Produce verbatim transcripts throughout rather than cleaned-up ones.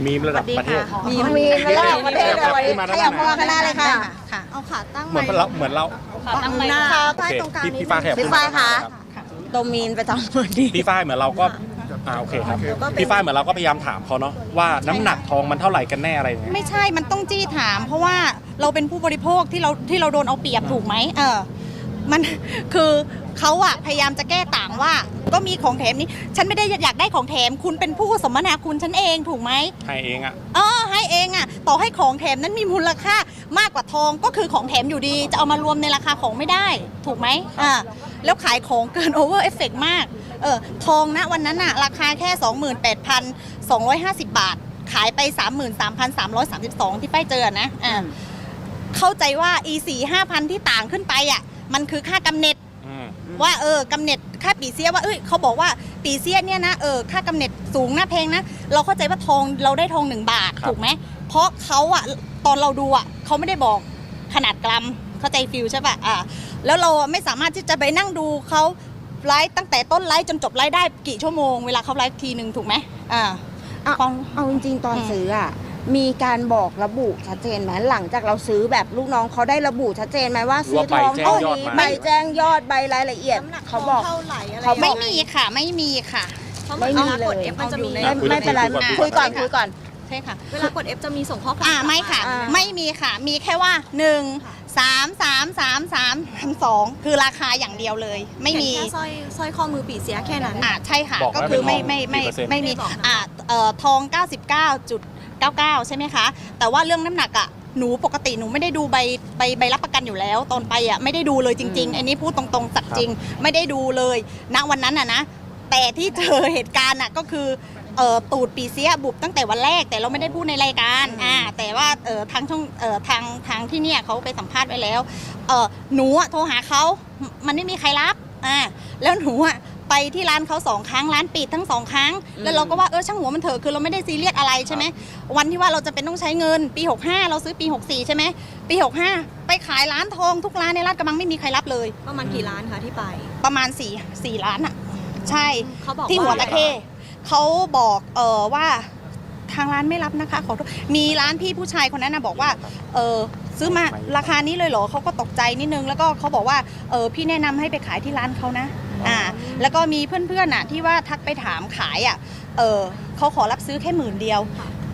มีระดับประเทศมีมีระดับประเทศเลยขยับมาข้างหน้าเลยค่ะเอาขาตั้งเหมือนเราเหมือนเราขาตั้งหน้าใต้ตรงกลางพี่ฟ้าแขกพี่ฝ้ายคะโดมีนไปทำเหมือนดีพี่ฝ้ายเหมือนเราก็อ่าโอเคครับพี่ฝ้ายเหมือนเราก็พยายามถามเขาเนาะว่าน้ำหนักทองมันเท่าไหร่กันแน่อะไรอย่างเงี้ยไม่ใช่มันต้องจี้ถาม เพราะว่าเราเป็นผู้บริโภคที่เราที่เราโดนเอาเปรียบถูกไหมเออมันคือเขาอะพยายามจะแก้ต่างว่าก็มีของแถมนี้ฉันไม่ได้อยากได้ของแถมคุณเป็นผู้สมนาคุณฉันเองถูกไหมให้เองอ่ะเออให้เองอะต่อให้ของแถมนั้นมีมูลค่ามากกว่าทองก็คือของแถมอยู่ดีจะเอามารวมในราคาของไม่ได้ถูกไหมอ่าแล้วขายของเกินโอเวอร์เอฟเฟกต์มากเออทองนะวันนั้นอะราคาแค่ สองหมื่นแปดพันสองร้อยห้าสิบ บาทขายไป สามหมื่นสามพันสามร้อยสามสิบสอง ที่ป้ายเจอนะอ่าเข้าใจว่า อี สี่ ห้าพัน ที่ต่างขึ้นไปอ่ะมันคือค่ากำเนิดว่าเออกำเนิดค่าปีเสียว่าเอ้ยเขาบอกว่าปีเสียเนี่ยนะเออค่ากำเนิดสูงนะแพงนะเราเข้าใจว่าทองเราได้ทองหนึ่งบาทถูกไหมเพราะเขาอ่ะตอนเราดูอ่ะเขาไม่ได้บอกขนาดกรัมเข้าใจฟิลใช่ป่ะอ่าแล้วเราไม่สามารถที่จะไปนั่งดูเขาไลฟ์ตั้งแต่ต้นไลฟ์จนจบไลฟ์ได้กี่ชั่วโมงเวลาเขาไลฟ์ทีหนึ่งถูกไหมอ่าเอาเอาจริงๆตอนซื้ออ่ะมีการบอกระบุชัดเจนไหมหลังจากเราซื้อแบบลูกน้องเขาได้ระบุชัดเจนไหมว่าซื้อทองเท่านี้ใบแจ้งยอดใบรายละเอียดเขาบอกเขาไม่มีค่ะไม่มีค่ะไม่มีเลยไม่ไม่เป็นไรคุยก่อนคุยก่อนใช่ค่ะเวลากด F จะมีส่งข้อความอ่าไม่ค่ะไม่มีค่ะมีแค่ว่าหนึ่ง สาม สาม สาม สาม สองคือราคาอย่างเดียวเลยไม่มีแค่สร้อยสร้อยข้อมือปีเสียแค่นั้นอ่าใช่ค่ะก็คือไม่ไม่ไม่ไม่มีอ่าเอ่อทอง เก้าสิบเก้าจุดเก้าเก้า ใช่ไหมคะแต่ว่าเรื่องน้ำหนักอ่ะหนูปกติหนูไม่ได้ดูใบใบใบรับประกันอยู่แล้วตอนไปอ่ะไม่ได้ดูเลยจริงๆอันนี้พูดตรงๆสัตย์จริงไม่ได้ดูเลยณวันนั้นอ่ะนะแต่ที่เจอเหตุการณ์อ่ะก็คือเอ่อตูดปีเสียบุบตั้งแต่วันแรกแต่เราไม่ได้พูดในรายการอ่าแต่ว่าเอ่อทางช่องเอ่อทางทางที่เนี่ยเขาไปสัมภาษณ์ไว้แล้วเอ่อหนูอ่ะโทรหาเขามันไม่มีใครรับอ่าแล้วหนูอ่ะไปที่ร้านเขาสองครั้งร้านปิดทั้งสองครั้งแล้วเราก็ว่าเออช่างหัวมันเถอะคือเราไม่ได้ซีเรียสอะไรใช่ไหมวันที่ว่าเราจะเป็นต้องใช้เงินปีหกห้าเราซื้อปีหกสี่ใช่ไหมปีหกห้าไปขายร้านทองทุกร้านในลาดกระบังไม่มีใครรับเลยประมาณกี่ร้านคะที่ไปประมาณสี่สี่ร้านอ่ะใช่เขาบอกที่หัวตะเข้เขาบอกเออว่าทางร้านไม่รับนะคะขอโทษมีร้านพี่ผู้ชายคนนั้นนะบอกว่าเออซื้อมาราคานี้เลยเหรอเขาก็ตกใจนิดนึงแล้วก็เขาบอกว่าเออพี่แนะนำให้ไปขายที่ร้านเขานะอ่าแล้วก็มีเพื่อนๆน่ะที่ว่าทักไปถามขายอ่ะเออเขาขอรับซื้อแค่หมื่นเดียว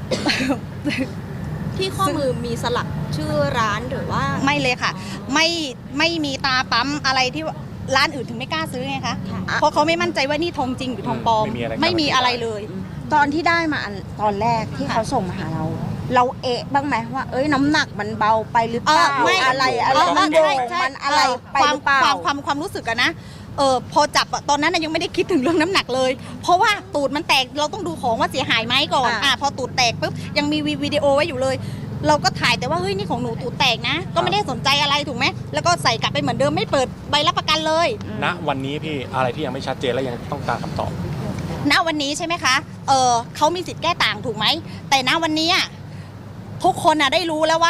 ที่ข้อมือมีสลักชื่อร้านหรือว่าไม่เลยค่ะไม่ไม่มีตาปั๊มอะไรที่ร้านอื่นถึงไม่กล้าซื้อไงคะเพราะเขาไม่มั่นใจว่านี่ทองจริงหรือทองปลอมไม่มีอะไรเลยตอนที่ได้มาตอนแรกที่เขาส่งมาหาเราเราเอะบ้างไหมว่าเอ้ยน้ำหนักมันเบาไปหรือเปล่าอะไรอะไรมันโบมันอะไรไปหรือเปล่าความความความรู้สึกอะนะเออพอจับตอนนั้นยังไม่ได้คิดถึงเรื่องน้ำหนักเลยเพราะว่าตูดมันแตกเราต้องดูของว่าเสียหายไหมก่อนอ่าพอตูดแตกปุ๊บยังมีวิดีโอไว้อยู่เลยเราก็ถ่ายแต่ว่าเฮ้ยนี่ของหนูตูดแตกนะก็ไม่ได้สนใจอะไรถูกไหมแล้วก็ใส่กลับไปเหมือนเดิมไม่เปิดใบรับประกันเลยณวันนี้พี่อะไรที่ยังไม่ชัดเจนและยังต้องการคำตอบณวันนี้ใช่ไหมคะเออเขามีสิทธิ์แก้ต่างถูกไหมแต่ณวันนี้ทุกคนอะได้รู้แล้วว่า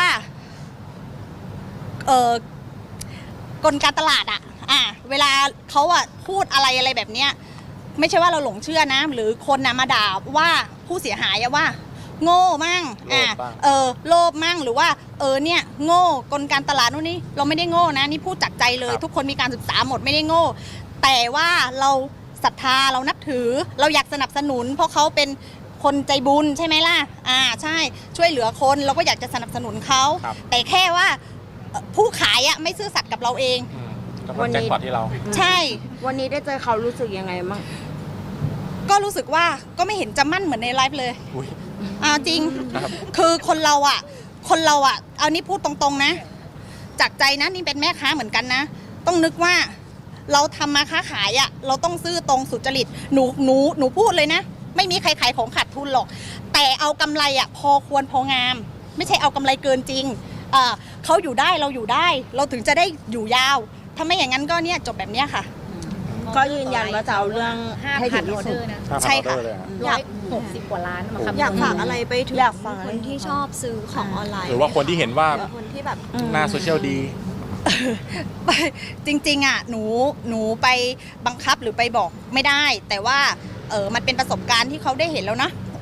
เออกลการตลาดอะอ่ะเวลาเขาอะพูดอะไรอะไรแบบเนี้ยไม่ใช่ว่าเราหลงเชื่อนะหรือคนนะมาด่าว่าผู้เสียหายอะว่าโง่มั่งอ่ะเออโลภมั่งหรือว่าเออเนี่ยโง่กลการตลาดนู่นนี่เราไม่ได้โง่นะนี่พูดจากใจเลยทุกคนมีการศึกษาหมดไม่ได้โง่แต่ว่าเราศรัทธาเรานับถือเราอยากสนับสนุนเพราะเขาเป็นคนใจบุญใช่ไหมล่ะอ่าใช่ช่วยเหลือคนเราก็อยากจะสนับสนุนเขาแต่แค่ว่าผู้ขายอะไม่ซื่อสัตย์กับเราเองวันนี้ที่เราใช่วันนี้ได้เจอเขารู้สึกยังไงมั่งก็รู้สึกว่าก็ไม่เห็นจะมั่นเหมือนในไลฟ์เลยอ่าจริงคือคนเราอ่ะคนเราอ่ะเอานี่พูดตรงๆนะจากใจนะนี่เป็นแม่ค้าเหมือนกันนะต้องนึกว่าเราทำมาค้าขายอ่ะเราต้องซื่อตรงสุจริตหนูหนูหนูพูดเลยนะไม่มีใครขายของขาดทุนหรอกแต่เอากำไรอ่ะพอควรพองามไม่ใช่เอากำไรเกินจริงเออเขาอยู่ได้เราอยู่ได้เราถึงจะได้อยู่ยาวถ้าไม่อย่างนั้นก็เนี่ยจบแบบเนี้ยค่ะก็ยืนยันว่าจะเอาเรื่องให้ถึงที่สุดใช่ค่ะอยากหกสิบกว่าล้านอยากฝากอะไรไปถึงคนที่ชอบซื้อของออนไลน์หรือว่าคนที่เห็นว่าคนที่แบบหน้าโซเชียลดีจริงๆอ่ะหนูหนูไปบังคับหรือไปบอกไม่ได้แต่ว่าเออมันเป็นประสบการณ์ที่เขาได้เห็นแล้วนะ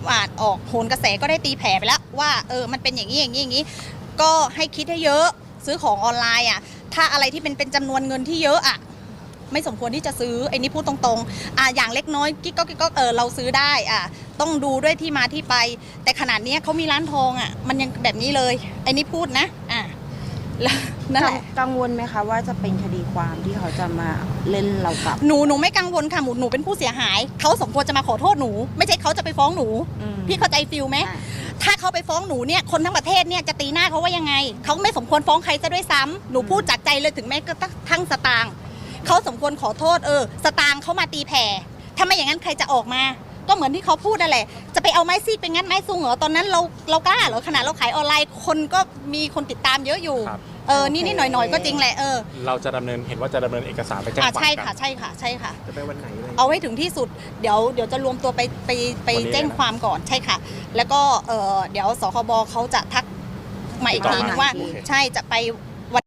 อ่านออกโหนกระแสก็ได้ตีแผ่ไปแล้วว่าเออมันเป็นอย่างนี้อย่างนี้อย่างนี้ก็ให้คิดให้เยอะซื้อของออนไลน์อ่ะถ้าอะไรที่เป็นเป็นจำนวนเงินที่เยอะอ่ะไม่สมควรที่จะซื้อไอ้นี่พูดตรงๆอ่ะอย่างเล็กน้อยกิ๊กก็กิ๊กก็เออเราซื้อได้อ่ะต้องดูด้วยที่มาที่ไปแต่ขนาดนี้เขามีร้านทองอ่ะมันยังแบบนี้เลยไอ้นี่พูดนะอ่ะแล้วนั่นแหละกังวลไหมคะว่าจะเป็นคดีความที่เขาจะมาเล่นเรากลับหนูหนูไม่กังวลค่ะหนูหนูเป็นผู้เสียหายเขาสมควรจะมาขอโทษหนูไม่ใช่เขาจะไปฟ้องหนูอืมพี่เข้าใจฟิลไหมอ่าถ้าเขาไปฟ้องหนูเนี่ยคนทั้งประเทศเนี่ยจะตีหน้าเขาว่ายังไงเขาไม่สมควรฟ้องใครซะด้วยซ้ำหนูพูดจากใจเลยถึงแม้กระทั่งสตางค์เขาสมควรขอโทษเออสตางค์เขามาตีแผ่ถ้าไม่อย่างนั้นใครจะออกมา ก็เหมือนที่เขาพูดนั่นแหละจะไปเอาไม้ซีดไปงัดไม้ซุงเหรอตอนนั้นเราเรากล้าเหรอขนาดเราขายออนไลน์คนก็มีคนติดตามเยอะอยู่ครับเออนี่นี่หน่อยหน่อยๆก็จริงแหละเออเราจะดำเนินเห็นว่าจะดำเนินเอกสารไปแจ้งคอ่าวามใช่กัค่ะนใช่ค่ะใช่ค่ะจะไปวันไหนเลยเอาให้ถึงที่สุดเดี๋ยวเดี๋ยวจะรวมตัวไปไปไปวันนี้แจ้งความก่อนใช่ค่ะ แล้วก็เออเดี๋ยวสคบเขาจะทักมาอีกทีนึงว่าโอเคใช่จะไป